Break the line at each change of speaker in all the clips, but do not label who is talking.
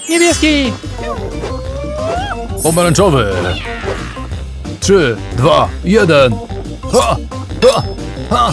Niebieski!
Pomarańczowy. 3, 2, 1. Ha! Ha! Ha!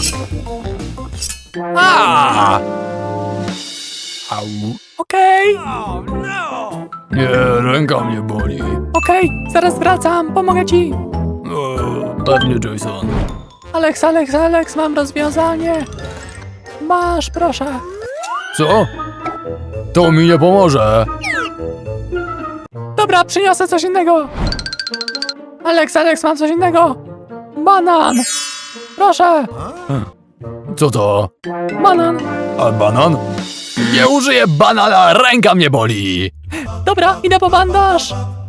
A! Au.
Okej,
Nie, ręka mnie boli.
okej, zaraz wracam, pomogę ci.
Pewnie, Jason.
Alex, mam rozwiązanie. Masz, proszę.
Co? To mi nie pomoże.
Dobra, przyniosę coś innego. Alex, mam coś innego. Banan. Proszę,
Co to?
banan.
A banan? Nie użyję banana, ręka mnie boli.
Dobra, idę po bandaż.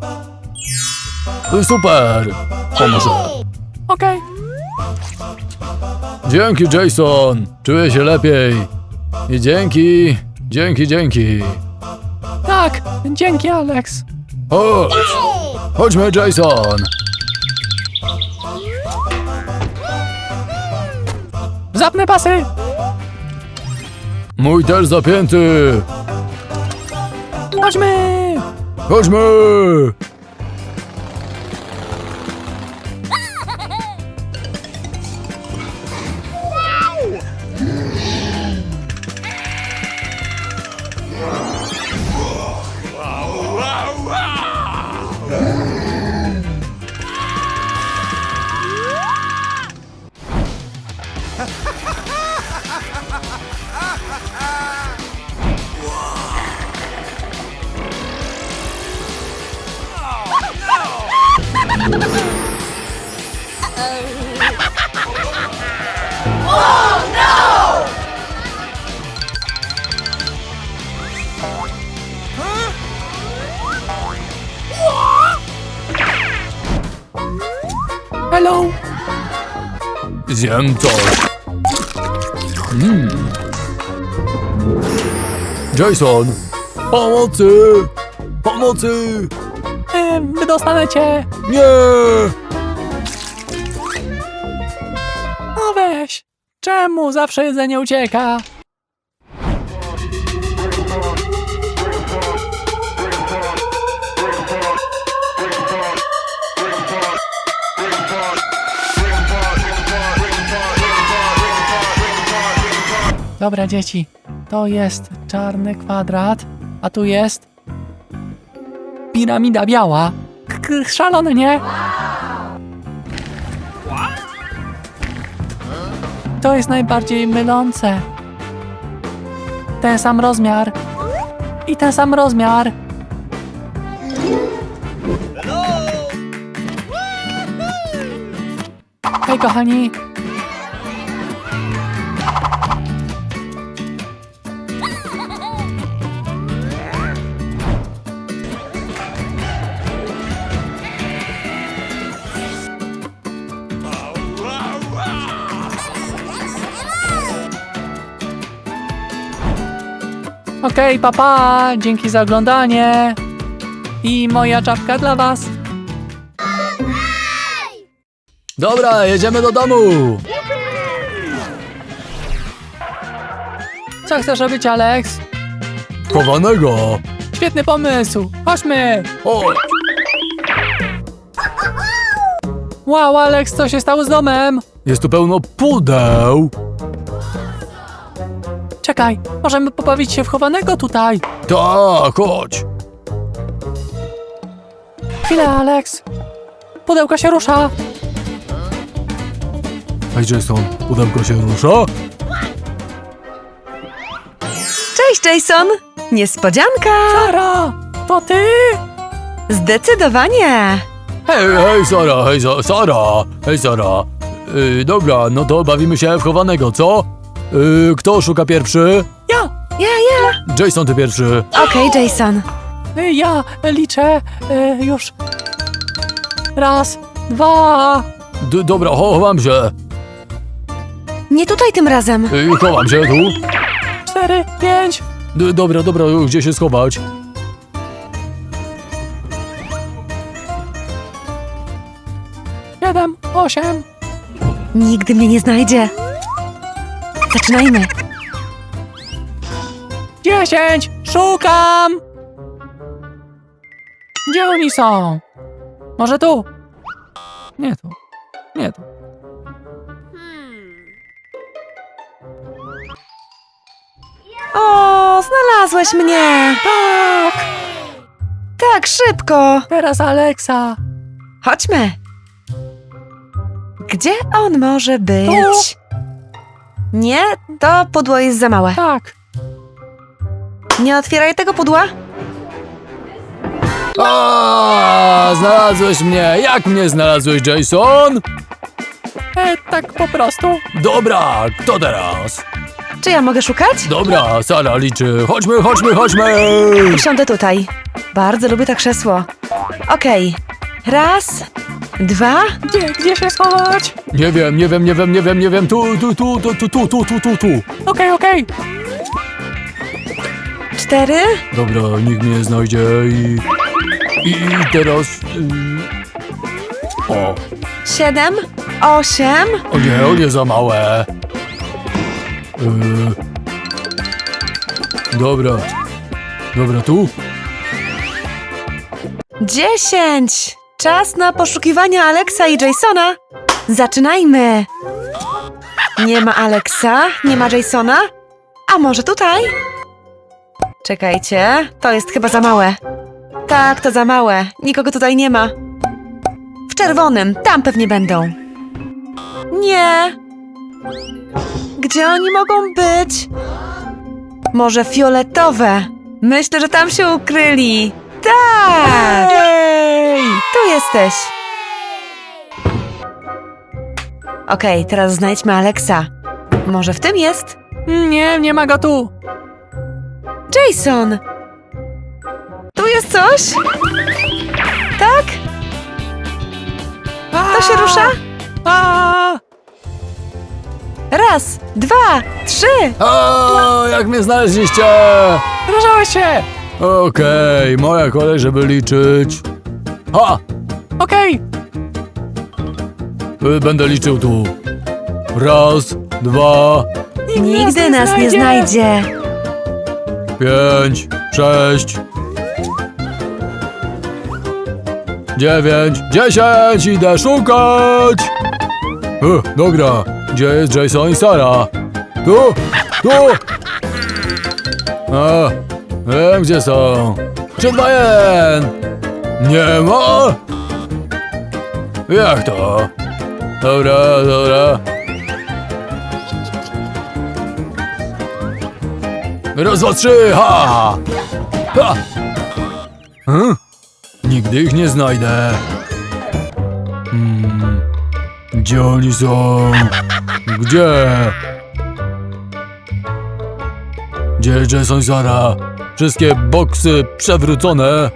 Super. Pomoże.
Okej.
Dzięki, Jason. Czuję się lepiej. I dzięki.
Tak, dzięki, Alex.
Chodź. Chodźmy, Jason.
Zapnę pasy.
Mój też zapięty.
Chodźmy.
Chodźmy.
Hello.
Zjem coś. Jason. Pomocy.
Wydostanę cię.
Nie.
No weź. Czemu zawsze jedzenie ucieka? Dobra, dzieci. To jest czarny kwadrat, a tu jest piramida biała. Szalone, nie? To jest najbardziej mylące. Ten sam rozmiar. I ten sam rozmiar. Hej, kochani. Okej, papa, dzięki za oglądanie. I moja czapka dla was.
Dobra, jedziemy do domu.
Co chcesz robić, Alex?
Chowanego.
Świetny pomysł. Chodźmy.
Chodź.
Wow, Alex, co się stało z domem?
Jest tu pełno pudeł.
Czekaj, możemy pobawić się w chowanego tutaj.
Tak, chodź.
Chwilę, Alex. Pudełko się rusza.
Hej, Jason, pudełko się rusza?
Cześć, Jason! Niespodzianka!
Sara, to ty?
Zdecydowanie!
Hej, Sara, hej, Sara. Dobra, no to bawimy się w chowanego, co? Kto szuka pierwszy?
Ja,
Jason, ty pierwszy.
Okej, Jason.
ja liczę już. Raz, dwa.
Dobra, chowam się.
Nie tutaj tym razem.
Chowam się tu.
4, 5.
Dobra, gdzie się schować?
7, 8.
Nigdy mnie nie znajdzie. Zaczynajmy.
10. Szukam. Gdzie oni są? Może tu? Nie tu. Nie tu.
O, znalazłeś mnie!
Tak!
Tak, szybko!
Teraz Aleksa.
Chodźmy. Gdzie on może być? Nie, to pudło jest za małe.
Tak.
Nie otwieraj tego pudła.
A, znalazłeś mnie! Jak mnie znalazłeś, Jason?
Tak po prostu.
Dobra, kto teraz?
Czy ja mogę szukać?
Dobra, Sara liczy. Chodźmy, chodźmy, chodźmy!
Usiądę tutaj. Bardzo lubię to krzesło. Okej. Raz, dwa.
Gdzie się schować?
Nie wiem, nie wiem, nie wiem, nie wiem, nie wiem. Tu.
Okej.
4,
Dobra, nikt mnie nie znajdzie i teraz... O,
7, 8,
o nie, za małe. Dobra, tu?
10. Czas na poszukiwania Alexa i Jasona. Zaczynajmy. Nie ma Alexa, nie ma Jasona. A może tutaj? Czekajcie, to jest chyba za małe. Tak, to za małe. Nikogo tutaj nie ma. W czerwonym, tam pewnie będą. Nie. Gdzie oni mogą być? Może fioletowe? Myślę, że tam się ukryli. Tak!
Ej!
Tu jesteś. Okej, teraz znajdźmy Alexa. Może w tym jest?
Nie ma go tu.
Jason! Tu jest coś? Tak? To się rusza?
A!
Raz, 2, 3.
A, jak mnie znaleźliście?
Ruszałeś się.
Okej, moja kolej, żeby liczyć. Ha!
Okej.
Będę liczył tu. Raz, 2,
Nigdy nas nie znajdzie.
5, 6, 9, 10, idę szukać! Dobra, gdzie jest Jason i Sara? Tu! A, wiem gdzie są. 3, 2, 1! Nie ma? Jak to? Dobra. Raz, dwa, trzy, ha! Nigdy ich nie znajdę. Gdzie oni są? Gdzie? Gdzie jest Jason i Sara? Wszystkie boksy przewrócone.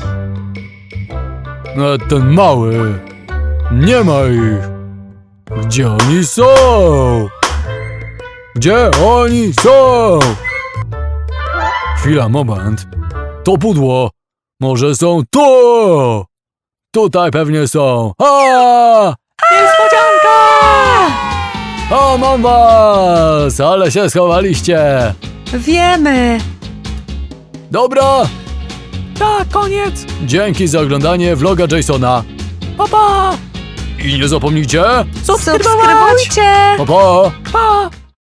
A ten mały. Nie ma ich. Gdzie oni są? Gdzie oni są? Chwila, moment. To pudło. Może są tu! Tutaj pewnie są.
Niespodzianka!
O, mam was! Ale się schowaliście.
Wiemy.
Dobra,
Tak, koniec.
dzięki za oglądanie vloga Jasona.
Pa!
I nie zapomnijcie,
Subskrybować.
Subskrybujcie.
pa!
Pa!